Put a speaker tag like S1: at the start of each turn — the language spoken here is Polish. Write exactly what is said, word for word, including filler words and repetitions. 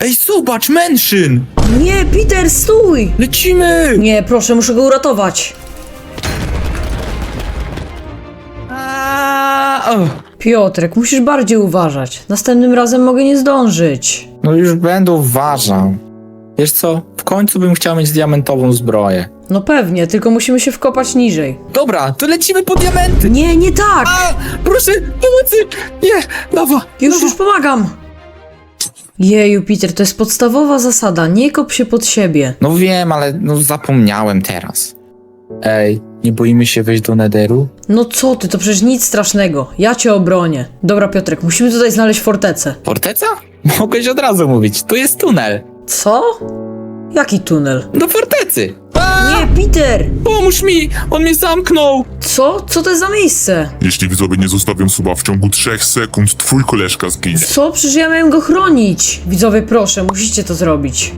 S1: Ej, zobacz, Mansion!
S2: Nie, Peter, stój!
S1: Lecimy!
S2: Nie, proszę, muszę go uratować.
S1: Aaaa, o.
S2: Piotrek, musisz bardziej uważać. Następnym razem mogę nie zdążyć.
S1: No już będę uważał. Wiesz co, w końcu bym chciał mieć diamentową zbroję.
S2: No pewnie, tylko musimy się wkopać niżej.
S1: Dobra, to lecimy po diamenty!
S2: Nie, nie tak!
S1: A, proszę, pomocy! Nie, lawa!
S2: Już,
S1: lawa.
S2: już pomagam! Jeju, Peter, to jest podstawowa zasada. Nie kop się pod siebie.
S1: No wiem, ale no zapomniałem teraz. Ej, nie boimy się wejść do Netheru?
S2: No co ty, to przecież nic strasznego. Ja cię obronię. Dobra, Piotrek, musimy tutaj znaleźć fortecę.
S1: Forteca? Mogłeś od razu mówić, tu jest tunel.
S2: Co? Jaki tunel?
S1: Do fortecy! A,
S2: Nie, Peter!
S1: pomóż mi! On mnie zamknął!
S2: Co? Co to jest za miejsce?
S3: Jeśli widzowie nie zostawią suba w ciągu trzech sekund, twój koleżka zginie.
S2: Co? Przecież ja miałem go chronić. Widzowie, proszę, musicie to zrobić.